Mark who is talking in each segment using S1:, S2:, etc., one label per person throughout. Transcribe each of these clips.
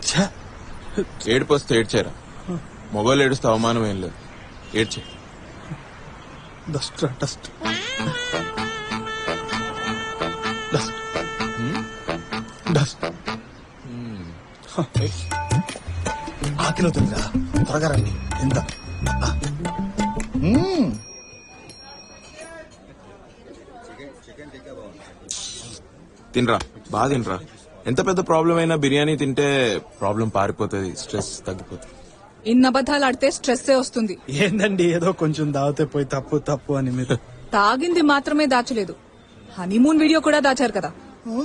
S1: ఏడుపు వస్తే ఏడ్చారా? మొగోళ్ళు ఏడుస్తే అవమానం ఏం లేదు. ఏడ్చే.
S2: Dust dust dust dust. ఆకిలో తిందిరా, త్వరగా రండి. ఎంత
S1: తినరా, బాగా తినరా. ఎంత పెద్ద ప్రాబ్లం అయినా బిర్యానీ తింటే ప్రాబ్లం పారిపోతుంది, స్ట్రెస్ తగ్గిపోతుంది.
S3: ఇన్ని అబద్ధాలు ఆడితే స్ట్రెస్ వస్తుంది.
S2: ఏందండి ఏదో కొంచెం దాగితే పోయి తప్పు తప్పు అని మీరు.
S3: తాగింది మాత్రమే దాచలేదు, హనీమూన్ వీడియో కూడా దాచారు కదా.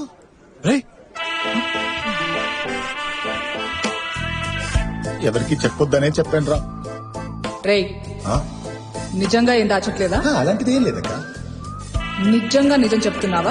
S4: ఎవరికి చెప్పొద్దనే చెప్పాను రా.
S3: రేయ్, నిజంగా ఏం దాచట్లేదా?
S4: అలాంటిది ఏం లేదక్క.
S3: నిజంగా నిజం చెప్తున్నావా?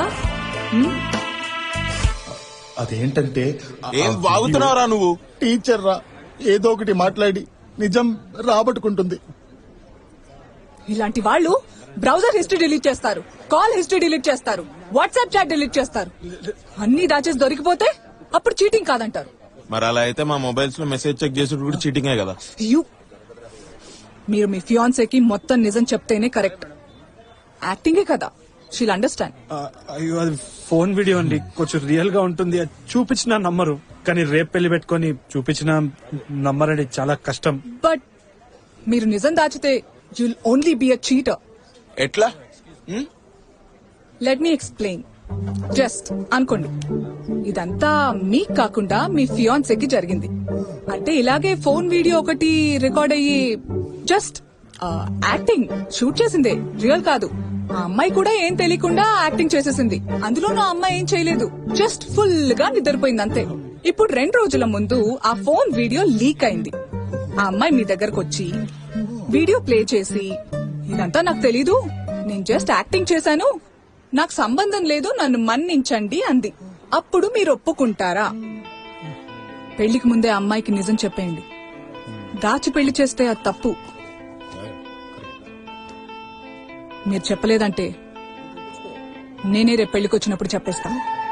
S4: అదేంటంటే
S1: ఏం వాగుతున్నావురా నువ్వు?
S4: టీచర్ రా, ఏదో ఒకటి మాట్లాడి నిజం రాబట్టుకుంటుంది.
S3: ఇలాంటి వాళ్ళు బ్రౌజర్ హిస్టరీ డిలీట్ చేస్తారు, కాల్ హిస్టరీ డిలీట్ చేస్తారు, వాట్సాప్ చాట్ డిలీట్ చేస్తారు. అన్ని దాచేసి దొరికిపోతే అప్పుడు చీటింగ్ కాదంటారు.
S1: మరి అలా అయితే మా మొబైల్స్ లో మెసేజ్ చెక్ చేసేది కూడా చీటింగే కదా.
S3: మీరు మీ ఫియాన్సేకి మొత్తం నిజం చెప్తేనే కరెక్ట్. యాక్టింగే కదా, షీల్ అండర్స్టాండ్.
S2: అయ్యో అది ఫోన్ వీడియో అండి, కొంచెం రియల్ గా ఉంటుంది. అది చూపించిన నమ్మరు, కానీ రేపు పెళ్లి పెట్టుకుని చూపించిన నమ్మరండి, చాలా కష్టం.
S3: బట్ మీరు నిజం దాచితే you'll only be a cheater.
S1: ఎట్లా?
S3: Let me explain. జస్ట్ అనుకోండి, ఇదంతా మీకు కాకుండా మీ ఫియాన్సేకి జరిగింది అంటే ఇలాగే ఫోన్ వీడియో ఒకటి రికార్డ్ అయ్యి జస్ట్ యాక్టింగ్ షూట్ చేసిందే, రియల్ కాదు. ఆ అమ్మాయి కూడా ఏం తెలియకుండా యాక్టింగ్ చేసేసింది. అందులో నా అమ్మాయి ఏం చేయలేదు, జస్ట్ ఫుల్ గా నిద్రపోయింది అంతే. ఇప్పుడు 2 రోజుల ముందు ఆ ఫోన్ వీడియో లీక్ అయింది. ఆ అమ్మాయి మీ దగ్గరకు వచ్చి వీడియో ప్లే చేసి, ఇదంతా నాకు తెలీదు, నేను జస్ట్ యాక్టింగ్ చేశాను, నాకు సంబంధం లేదు, నన్ను మన్నించండి అంది. అప్పుడు మీరు ఒప్పుకుంటారా? పెళ్లికి ముందే అమ్మాయికి నిజం చెప్పేయండి. దాచి పెళ్లి చేస్తే అది తప్పు. మీరు చెప్పలేదంటే నేనే రేపు పెళ్లికి వచ్చినప్పుడు చెప్పేస్తా.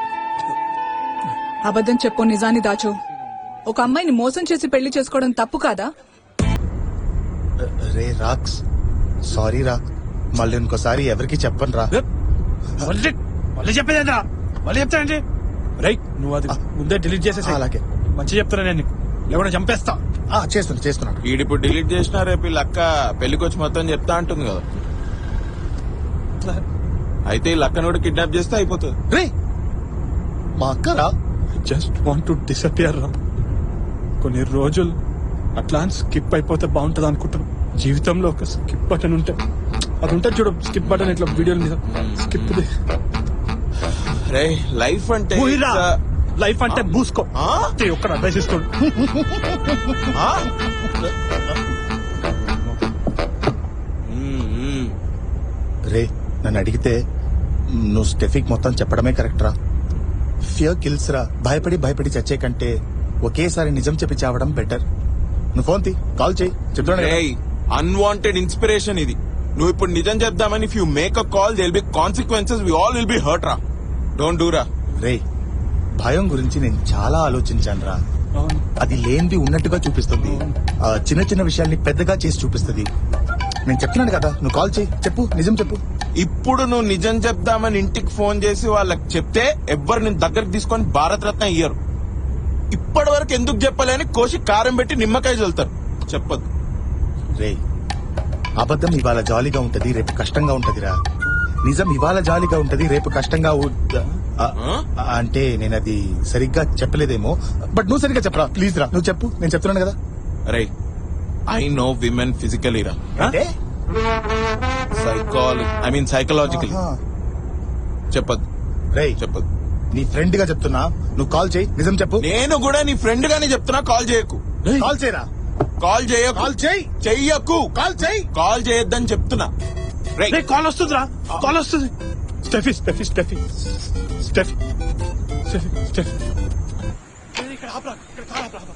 S3: అబద్ధం చెప్పు, నిజాన్ని దాచు. ఒక అమ్మాయిని మోసం చేసి పెళ్లి చేసుకోవడం తప్పు కాదా?
S4: రే రాక్స్, సారీ రా, మళ్ళీ ఇంకోసారి ఎవరికి చెప్పను రా.
S2: మళ్ళీ చెప్పేదేంద్రా, మళ్ళీ చెప్తానండి. రైట్, నువ్వు అది ముందే డిలీట్ చేసేసి.
S4: అలాగే,
S2: మంచి చెప్తున్నా నేను, లేకుండా చంపేస్తా.
S4: చేస్తున్నాను.
S1: ఈడిప్పుడు డిలీట్ చేసినా రేపు వీళ్ళ అక్క పెళ్లికి వచ్చి మొత్తం చెప్తా అంటుంది కదా. అయితే ఈ లక్కను కూడా కిడ్నాప్ చేస్తే అయిపోతుంది.
S4: రే మా అక్కరా,
S2: జస్ట్ వాంట్ టు డిసపియర్ రా. కొన్ని రోజులు అట్లా స్కిప్ అయిపోతే బాగుంటది అనుకుంటాను. జీవితంలో ఒక స్కిప్ బటన్ ఉంటే, అది ఉంటుంది చూడు, స్కిప్ బటన్ ఇట్లా వీడియోల మీద స్కిప్.
S1: రే లైఫ్ అంటే
S2: లైఫ్ అంటే మూసుకో. ఒక్కడ అడ్వైస్ ఇస్తాడు.
S4: రే నన్ను అడిగితే నువ్వు స్టెఫిక్ మొత్తం చెప్పడమే కరెక్ట్ రా. ఫియర్ కిల్స్ రా. భయపడి చచ్చే కంటే ఒకేసారి నిజం చెప్పి చావడం బెటర్. నువ్వు ఫోన్ తీ, కాల్ చేయి, చెప్తాను.
S1: అన్వాంటెడ్ ఇన్స్పిరేషన్ ఇది. నువ్వు ఇప్పుడు నిజం చెప్దామని if you make a call there will be consequences, we all will be hurt రా. డోంట్ డూ రా.
S4: రే భయం గురించి నేను చాలా ఆలోచించాను రా. అది లేనిది ఉన్నట్టుగా చూపిస్తుంది, చిన్న చిన్న విషయాల్ని పెద్దగా చేసి చూపిస్తుంది. నేను చెప్తున్నాను కదా, నువ్వు కాల్ చేయి, చెప్పు, నిజం చెప్పు.
S1: ఇప్పుడు నువ్వు నిజం చెప్దామని ఇంటికి ఫోన్ చేసి వాళ్ళకి చెప్తే ఎవ్వరు నేను దగ్గరకు తీసుకొని భారత రత్న ఇయ్యరు. ఇప్పటి వరకు ఎందుకు చెప్పలేని కోసి కారం పెట్టి నిమ్మకాయ చల్లుతారు. చెప్పదు.
S4: రే అబద్ధం ఇవాళ జాలీగా ఉంటది, రేపు కష్టంగా ఉంటదిరా. నిజం ఇవాళ జాలీగా ఉంటది, రేపు కష్టంగా అంటే నేను అది సరిగ్గా చెప్పలేదేమో, బట్ నువ్వు సరిగ్గా చెప్పరా ప్లీజ్ రా. నువ్వు చెప్పు, నేను చెప్తున్నాను కదా.
S1: అరే ఐ నో విమెన్ ఫిజికలీ రా,
S4: అంటే
S1: సైకలాజికల్. చెప్పదు.
S4: రే
S1: చెప్పదు.
S4: నీ ఫ్రెండ్ గా చెప్తున్నా, నువ్వు కాల్ చేయి, నిజం చెప్పు.
S1: నేను కూడా నీ ఫ్రెండ్ గానే చెప్తున్నా, కాల్ చేయకు.
S4: కాల్ చేయరా.
S1: కాల్ చేయకు.
S4: కాల్ చేయి.
S1: చెయ్యకు.
S4: కాల్ చేయి.
S1: కాల్ చేయొద్దని చెప్తున్నా.
S2: కాల్ వస్తుందిరా, కాల్ వస్తుంది. Steffi Steffi Steffi Steffi Steffi Steffi ఇక్కడ ఆపరా, ఇక్కడ కాల్ ఆపరా.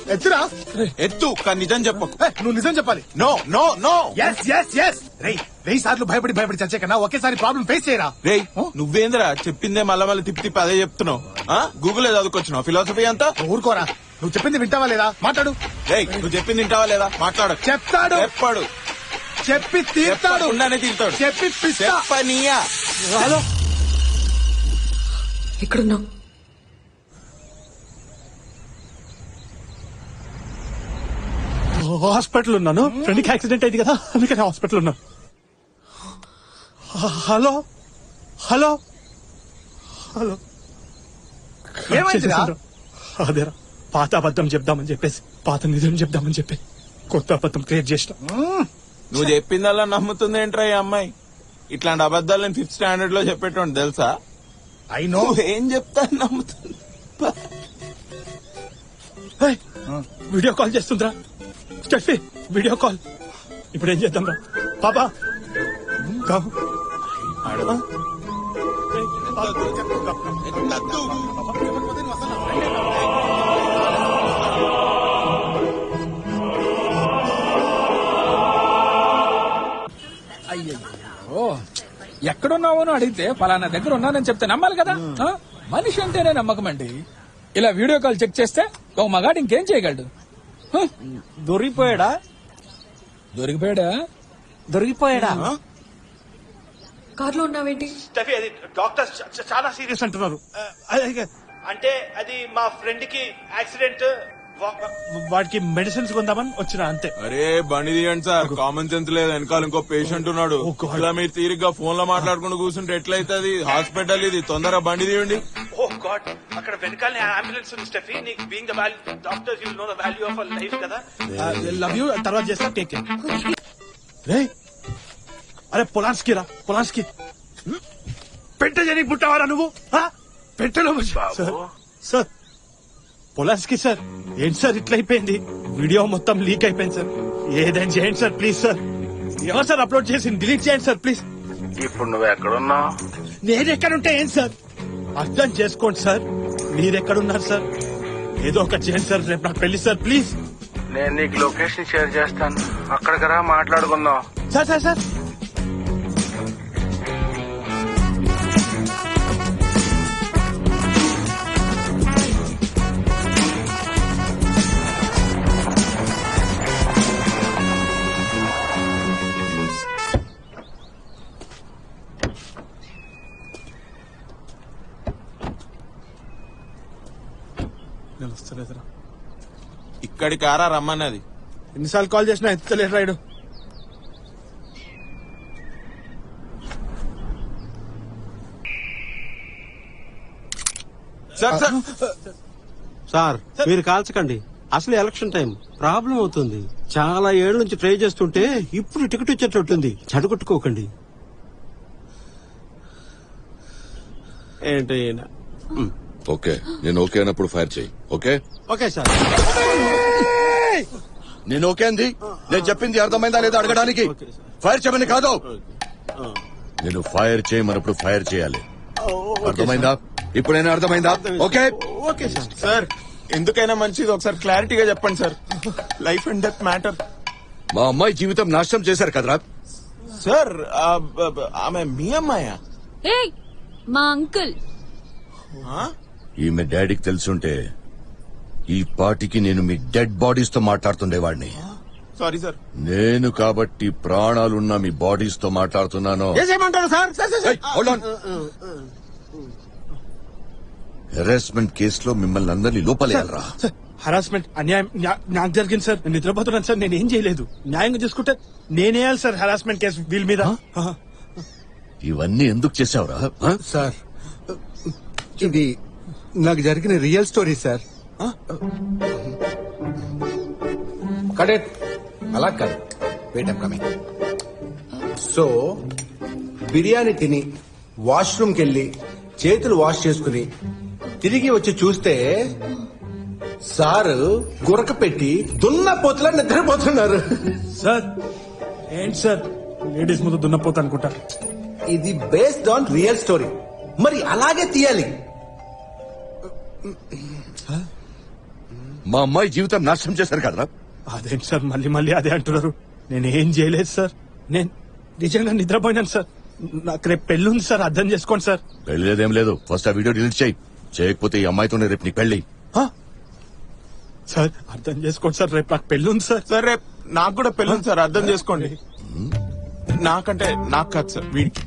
S4: ఎత్తురా.
S1: ఎత్తు కానీ నిజం చెప్పకు.
S4: నువ్వు నిజం చెప్పాలి.
S1: No no no.
S4: Yes yes yes. రేయ్ 1000 సార్లు భయపడి చచ్చే కన్నా ఒకేసారి ప్రాబ్లం ఫేస్ చేయరా.
S1: రేయ్ నువ్వేంద్రా చెప్పిందే మళ్ళీ తిప్పి అదే చెప్తున్నావు. గూగుల్ చదువుకొచ్చినావు ఫిలాసఫీ అంతా.
S4: ఊరుకోరా. నువ్వు చెప్పింది వింటావా లేదా? మాట్లాడు.
S1: రేయ్ నువ్వు చెప్పింది వింటావా లేదా? మాట్లాడు.
S4: చెప్తాడు.
S1: చెప్పాడు.
S4: చెప్పి తీర్తాడు.
S1: ఉండానే తీరుతాడు.
S4: చెప్పి
S1: చెప్పనీయా.
S4: హలో
S5: ఎక్కడున్నావు?
S2: హాస్పిటల్ ఉన్నాను. ఫ్రెండ్కి యాక్సిడెంట్ అయింది కదా, అందుకని హాస్పిటల్ ఉన్నాను. Hello hello hello.
S4: ఏమైందిరా?
S2: అదేరా పాత అబద్ధం చెప్దామని చెప్పేసి పాత నిజం చెప్దామని చెప్పి కొత్త అబద్ధం క్రియేట్ చేసిన.
S1: నువ్వు చెప్పిందల్లా నమ్ముతుంది ఏంట్రా ఈ అమ్మాయి? ఇట్లాంటి అబద్ధాలు నేను 5th స్టాండర్డ్ లో చెప్పేటోండి తెలుసా?
S4: I know.
S1: ఏం చెప్తా నమ్ముతుంది.
S2: వీడియో కాల్ చేస్తుందిరా స్టెఫీ, వీడియో కాల్. ఇప్పుడు ఏం చేద్దాం రా పాపా?
S6: అయ్యో ఎక్కడున్నావో అని అడిగితే పలానా దగ్గర ఉన్నానని చెప్తే నమ్మాలి కదా. మనిషి అంటేనే నమ్మకం అండి. ఇలా వీడియో కాల్ చెక్ చేస్తే ఒక మగాడు ఇంకేం చేయగలడు?
S2: దొరికిపోయాడా?
S6: దొరికిపోయాడా?
S5: కార్లో ఉన్నావేంటి?
S2: స్టెఫీ, అది డాక్టర్స్ చాలా సీరియస్ అంటున్నారు. అంటే అది మా ఫ్రెండ్ కి యాక్సిడెంట్, వాడికి మెడిసిన్స్ కొందామని వచ్చిన అంతే.
S1: అరే బండి తీయండి సార్, కామన్ సెన్స్ లేదు. వెనకాల ఇంకో పేషెంట్ ఉన్నాడు.
S2: Oh God.
S1: ఇలా మీరు తీరిగ్గా ఫోన్ లో మాట్లాడుకుంటూ కూర్చుంటే ఎట్లయితుంది? హాస్పిటల్ ఇది, తొందరగా బండి తీయండి.
S2: ఓ గాడ్, అక్కడ వెనకాల అంబులెన్స్ ఉంది స్టెఫీ. నీకు being the value doctors you know the value of a life కదా. Love you. తర్వాత చేస్తా. Take care. రే అరే పొలాన్స్కి రా, పొలాన్స్కి. పెట్ట జని పుట్టావారా నువ్వు? పెట్టలో సార్ పొలాన్స్కి సార్. ఏంటి సార్ ఇట్లా అయిపోయింది? వీడియో మొత్తం లీక్ అయిపోయింది సార్. ఏదైనా చేయండి సార్ ప్లీజ్ సార్. ఎవరు సార్ అప్లోడ్ చేసి డిలీట్ చేయండి సార్ ప్లీజ్.
S7: ఇప్పుడు నువ్వు ఎక్కడున్నావు?
S2: నేను ఎక్కడుంటే ఏం సార్? అర్థం చేసుకోండి సార్. మీరెక్కడున్నారు సార్? ఏదో ఒకటి చేయండి సార్. రేపు నాకు పెళ్లి సార్ ప్లీజ్.
S7: నేను నీకు లొకేషన్ షేర్ చేస్తాను, అక్కడికి రా, మాట్లాడుకుందాం.
S2: సార్ సార్ సార్ వస్తలేదురా.
S1: ఇక్కడి కారా రమ్మన్నది.
S2: ఎన్నిసార్లు కాల్ చేసినా ఎత్తలేడు రాయుడు.
S1: సార్ సార్
S8: సార్ మీరు కాల్చకండి, అసలు ఎలక్షన్ టైం ప్రాబ్లం అవుతుంది. చాలా ఏళ్ల నుంచి ట్రై చేస్తుంటే ఇప్పుడు టికెట్ వచ్చేటట్టుంది. చెడగొట్టుకోకండి. ఏంటి
S9: ఓకే, నేను ఓకే అన్నప్పుడు ఫైర్ చేయి. Okay
S8: okay sir.
S9: నేను ఓకే అంది. నేను చెప్పింది అర్థమైందా లేదా అడగడానికి. ఫైర్ చేయమని కాదు, నేను ఫైర్ చేయమన్నప్పుడు ఫైర్ చేయాలి. అర్థమైందా? ఇప్పుడైనా అర్థమైందా? Okay
S8: okay sir.
S1: సార్ ఎందుకైనా మంచిది ఒకసారి క్లారిటీగా చెప్పండి sir. Life and death matter.
S9: మా అమ్మాయి జీవితం నాశనం చేశారు కదరా.
S1: సార్ ఆమె మీ అమ్మాయా?
S5: ఏయ్ మా అంకుల్.
S9: ఈమె డాడీకి తెలుసుంటే ఈ పాటికి నేను మీ డెడ్ బాడీస్ తో మాట్లాడుతుండేవాడిని.
S1: Sorry sir.
S9: నేను కాబట్టి ప్రాణాలున్న మీ బాడీస్ తో మాట్లాడుతున్నాను.
S8: ఏమంటారు సార్?
S9: హెరాస్మెంట్ కేసులో మిమ్మల్ని అందరినీ లోపలేయాలరా.
S2: హరాస్మెంట్ అన్యాయం నాకు జరిగింది సార్. నేను నిద్రపోతున్నాను సార్. నేను ఏం చేయలేదు. న్యాయంగా చూసుకుంటే నేనేయాలి సార్ హరాస్మెంట్ కేసు వీళ్ళ మీద.
S9: ఇవన్నీ ఎందుకు చేసావురా?
S10: సార్ ఇది నాకు జరిగిన రియల్ స్టోరీ సార్. కడెట్ అలా కాదు, wait I'm coming. So biryani తిని వాష్రూమ్కి వెళ్ళి చేతులు వాష్ చేసుకుని తిరిగి వచ్చి చూస్తే సారు గురక పెట్టి దున్నపోతులా నిద్రపోతున్నారు.
S2: సార్ ఏంటి సార్ లేడీస్ ముందు దున్నపోతా అనుకుంటా.
S10: ఇది బేస్డ్ ఆన్ రియల్ స్టోరీ, మరి అలాగే తీయాలి.
S9: మా అమ్మాయి జీవితం నాశనం చేశారు కదరా.
S2: అదేంటి సార్ మళ్ళీ మళ్ళీ అదే అంటున్నారు? నేను ఏం చేయలేదు సార్. నేను నిజంగా నిద్రపోయినాను సార్. నాకు రేపు పెళ్లి ఉంది సార్, అర్థం చేసుకోండి సార్.
S9: పెళ్లి లేదేం లేదు. ఫస్ట్ ఆ వీడియో డిలీట్ చేయి. చేయకపోతే ఈ అమ్మాయితోనే రేపు నీకు పెళ్లి.
S2: సార్ అర్థం చేసుకోండి సార్, రేపు నాకు పెళ్లి ఉంది సార్.
S1: సార్ రేపు నాకు కూడా పెళ్ళి ఉంది సార్, అర్థం చేసుకోండి. నాకంటే నాకు కాదు సార్, వీడికి.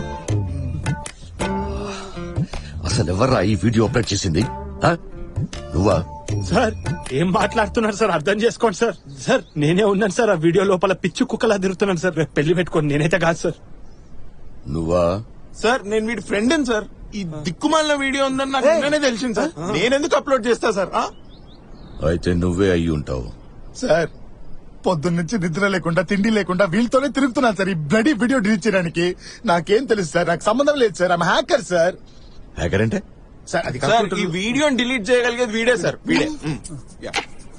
S9: అసలు ఎవర్రా ఈ వీడియో అప్లోడ్ చేసింది? ఆ? నువ్వా?
S2: సార్ ఏం మాట్లాడుతున్నారు సార్, అర్థం చేసుకోండి సార్. సార్ నేనే ఉన్నాను సార్, ఆ వీడియో లోపల పిచ్చి కుక్కలా తిరుగుతున్నాను సార్. రేపు పెళ్లి పెట్టుకోండి, నేనైతే కాదు సార్.
S9: నువ్వా?
S1: సార్ నేను వీడి ఫ్రెండ్ సార్. ఈ దిక్కుమాలిన వీడియో ఉందని నాకు నిన్ననే తెలిసింది సార్. నేనెందుకు అప్లోడ్ చేస్తా సార్?
S9: అయితే నువ్వే అయ్యి ఉంటావు.
S4: సార్ పొద్దున్నుంచి నిద్ర లేకుండా తిండి లేకుండా వీళ్ళతోనే తిరుగుతున్నాను సార్. ఈ బ్లడీ వీడియో డిలీట్ చేయడానికి నాకేం తెలుసు సార్, నాకు సంబంధం లేదు sir. I'm hacker sir.
S9: Hacker అంటే?
S4: సార్ అది
S1: సార్ ఈ వీడియోని డిలీట్ చేయగలిగేది వీడే సార్, వీడే. యా.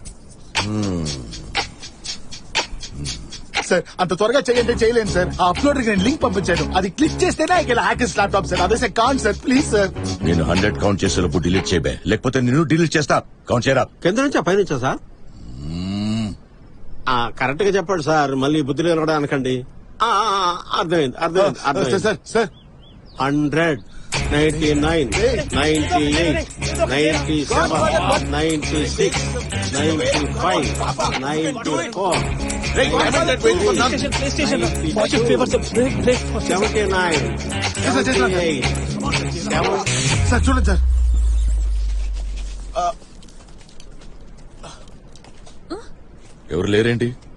S4: సార్ అంత త్వరగా చేయండి చేయలేను సార్. ఆ అప్లోడ్ నేను లింక్ పంపించాను, అది క్లిక్ చేస్తేనే హ్యాకర్స్ ల్యాప్టాప్ సార్. అదే సార్ కాన్ సార్, ప్లీజ్ సార్.
S9: నేను 100 కౌంట్ చేసేలోపు డిలీట్ చేయబే, లేకపోతే నేను డిలీట్ చేస్తా. కౌంట్ చేయరా.
S8: కింద నుంచా పైనుంచా సార్? కరెక్ట్ గా చెప్పండి సార్, మళ్ళీ బుద్ధి లేనడా అనకండి. అర్థమైంది అర్థమైంది అర్థమైంది.
S4: సార్ సార్
S8: 100, 99, 98, 97, 96, 95, 94, 79, 78,
S4: సార్ చూడండి సార్.
S9: ఎవరు లేరేంటి?